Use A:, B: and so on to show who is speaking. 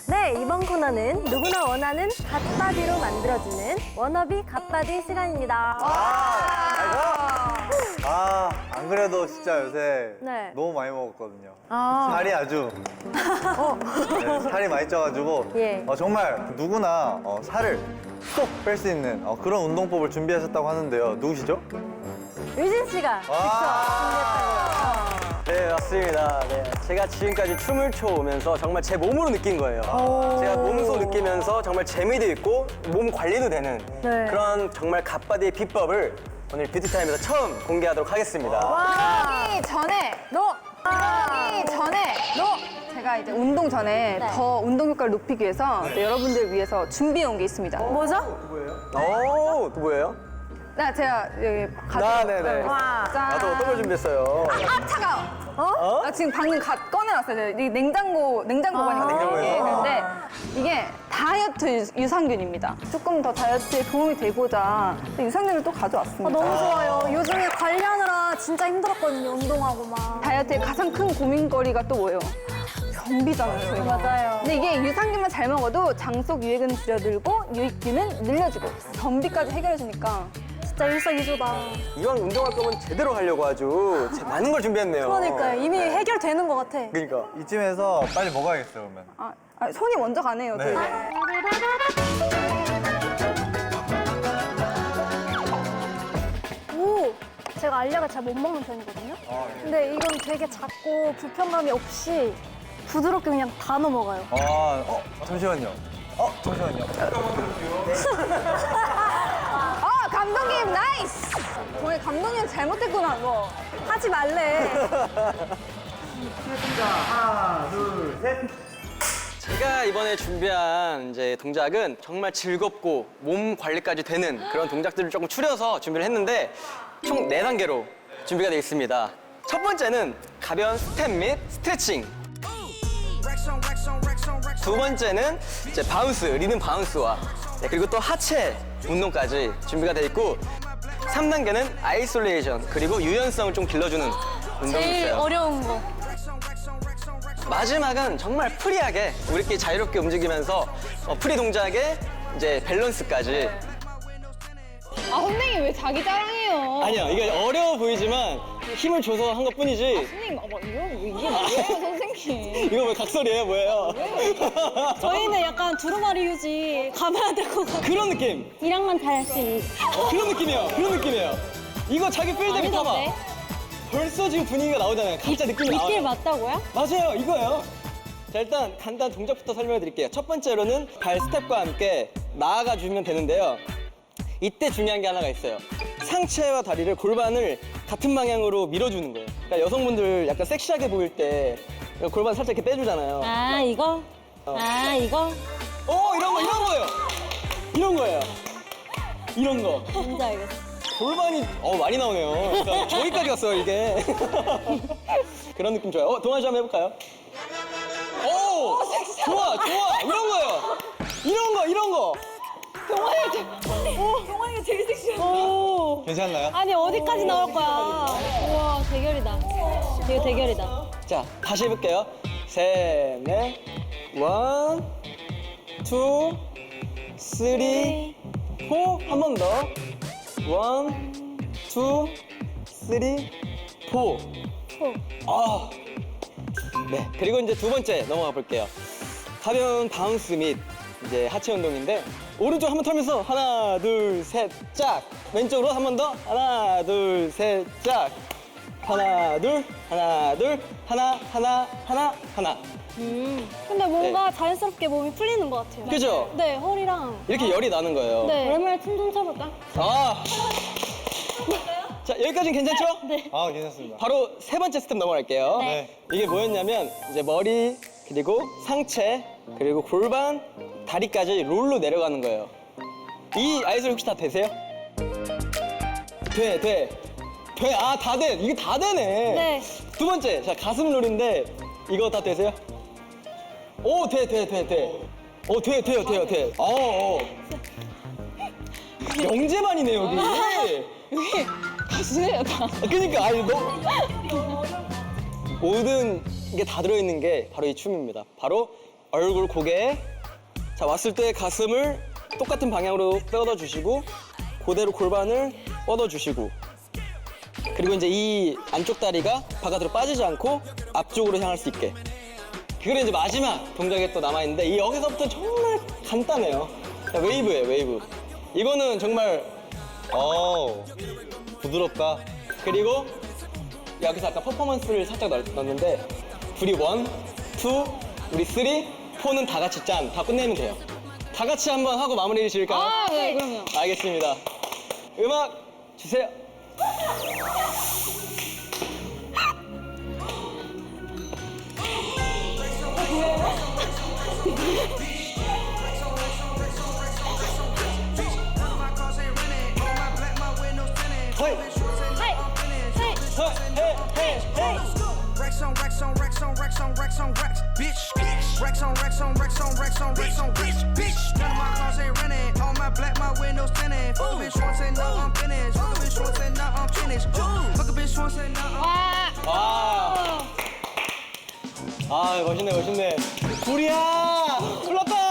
A: 네, 이번 코너는 누구나 원하는 갓바디로 만들어주는 워너비 갓바디 시간입니다.
B: 안 그래도 진짜 요새
A: 네.
B: 너무 많이 먹었거든요. 살이 아주 네, 살이 많이 쪄가지고
A: 예.
B: 정말 누구나 살을 쏙 뺄 수 있는 그런 운동법을 준비하셨다고 하는데요. 누구시죠?
A: 유진 씨가 직접 준비했다고요.
C: 네, 맞습니다. 네, 제가 지금까지 춤을 춰오면서 정말 제 몸으로 느낀 거예요. 제가 몸소 느끼면서 정말 재미도 있고 몸 관리도 되는
A: 네.
C: 그런 정말 갓바디의 비법을 오늘 뷰티타임에서 처음 공개하도록 하겠습니다.
D: 그러기 전에 제가 이제 운동 전에
A: 네.
D: 더 운동 효과를 높이기 위해서 또 여러분들을 위해서 준비해 온 게 있습니다.
A: 뭐죠?
C: 오, 또 뭐예요?
D: 제가 여기 가지고
C: 네네.
A: 와.
D: 짠.
C: 나도 어떤 걸 준비했어요?
D: 아 차가워. 나 지금 방금 꺼내놨어요. 이 냉장고가니까
C: 냉장고에서?
D: 근데 이게 다이어트 유산균입니다. 조금 더 다이어트에 도움이 되고자 유산균을 또 가져왔습니다.
A: 너무 좋아요. 요즘에 관리하느라 진짜 힘들었거든요, 운동하고 막.
D: 다이어트의 가장 큰 고민거리가 또 뭐예요? 변비잖아요, 저희가.
A: 맞아요.
D: 근데 이게 유산균만 잘 먹어도 장 속 유액은 줄여들고 유익균은 늘려주고 변비까지 해결해주니까
A: 진짜 일석이조다.
C: 이왕 운동할 거면 제대로 하려고 아주 많은 걸 준비했네요.
A: 그러니까요. 이미 해결되는 것 같아.
C: 그러니까.
B: 이쯤에서 빨리 먹어야겠어요, 그러면.
D: 손이 먼저 가네요.
B: 네.
D: 또.
A: 오! 제가 알약을 잘 못 먹는 편이거든요. 근데 이건 되게 작고 불편감이 없이 부드럽게 그냥 다 넘어가요.
B: 잠시만요. 잠시만요.
D: 감독님 나이스! 저희 감독님 잘못했구나, 뭐.
A: 하지 말래.
C: 제가 이번에 준비한 이제 동작은 정말 즐겁고 몸 관리까지 되는 그런 동작들을 조금 추려서 준비를 했는데 총 4단계로 준비가 되어 있습니다. 첫 번째는 가벼운 스텝 및 스트레칭. 두 번째는 이제 바운스, 리듬 바운스와 그리고 또 하체 운동까지 준비가 되어 있고 3단계는 아이솔레이션 그리고 유연성을 좀 길러주는 운동이
A: 제일
C: 있어요.
A: 어려운 거.
C: 마지막은 정말 프리하게 우리끼리 자유롭게 움직이면서 프리 동작에 이제 밸런스까지.
D: 선생님 왜 자기 자랑해요?
C: 아니요, 이게 어려워 보이지만 힘을 줘서 한 것뿐이지.
D: 선생님, 이게 뭐예요, 선생님?
C: 이거 왜 각설이에요, 뭐예요?
E: 저희는 약간 두루마리 휴지 가봐야 될 것 같아요.
C: 그런 느낌.
E: 1학만 다 할 수 있는.
C: 그런 느낌이에요. 그런 느낌이에요. 이거 자기 필드에 타봐.
E: 아니던데?
C: 벌써 지금 분위기가 나오잖아요. 각자 느낌이 나와요.
E: 이길 맞다고요?
C: 맞아요, 이거예요. 자, 일단 간단 동작부터 설명해 드릴게요. 첫 번째로는 발 스텝과 함께 나아가 주면 되는데요. 이때 중요한 게 하나가 있어요. 상체와 다리를 골반을 같은 방향으로 밀어주는 거예요. 그러니까 여성분들 약간 섹시하게 보일 때 골반 살짝 이렇게 빼주잖아요.
E: 아, 이거? 이거?
C: 이런 거예요. 이런 거예요. 이런 거.
E: 뭔지 알겠어.
C: 골반이 많이 나오네요. 그러니까 저기까지 갔어요, 이게. 그런 느낌 좋아요. 동환 씨 한번 해볼까요? 오! 좋아. 이런 거예요. 이런 거.
E: 동환이가 제일 섹시해. 오.
B: 괜찮나요?
E: 아니, 어디까지 나올 거야? 우와, 대결이다. 되게 대결이다.
C: 자, 다시 해볼게요. 셋, 넷. 원, 투, 쓰리, 포. 한 번 더. 원, 투, 쓰리, 포. 네. 그리고 이제 두 번째 넘어가 볼게요. 가벼운 바운스 및 이제 하체 운동인데 오른쪽 한 번 털면서 하나, 둘, 셋, 짝. 왼쪽으로 한 번 더. 하나, 둘, 셋, 짝. 하나, 둘, 하나, 둘, 하나.
E: 근데 뭔가 자연스럽게 몸이 풀리는 것 같아요.
C: 그죠?
E: 네, 허리랑.
C: 이렇게 열이 나는 거예요.
E: 네. 오랜만에 춤 좀 춰볼까?
C: 자, 여기까지는 괜찮죠?
E: 네.
B: 괜찮습니다.
C: 바로 세 번째 스텝 넘어갈게요.
E: 네.
C: 이게 뭐였냐면 이제 머리 그리고 상체 그리고 골반 다리까지 롤로 내려가는 거예요. 이 아이솔 혹시 다 되세요? 돼. 다 돼. 이게 다 되네.
E: 네.
C: 두 번째, 자 가슴 롤인데 이거 다 되세요? 오, 돼. 돼요. 영재만이네 여기.
D: 여기 가수예요, 다.
C: 그러니까 모든 게 다 들어있는 게 바로 이 춤입니다. 바로 얼굴, 고개. 자, 왔을 때 가슴을 똑같은 방향으로 뻗어주시고, 그대로 골반을 뻗어주시고, 그리고 이제 이 안쪽 다리가 바깥으로 빠지지 않고 앞쪽으로 향할 수 있게. 그리고 이제 마지막 동작이 또 남아있는데, 이 여기서부터 정말 간단해요. 자, 웨이브예요, 웨이브. 이거는 정말,
B: 부드럽다.
C: 그리고 여기서 아까 퍼포먼스를 살짝 넣었는데, 우리 1, 2, 우리 3, 4는 다 같이 짠. 다 끝내면 돼요. 다 같이 한번 하고 마무리 해주실까요?
E: 아, 네, 그럼요.
C: 알겠습니다. 음악 주세요. 허이!
F: Racks on racks on racks on racks on racks on racks, bitch. Racks on racks on racks on racks on racks on racks, bitch. None of my cars ain't rented. All my black, my windows tinted. Fuck a bitch once and now I'm finished. Fuck a bitch once and now I'm finished. Fuck a bitch once and now I'm.
C: 와. 아, 멋있네, 멋있네. 불이야! 불났다!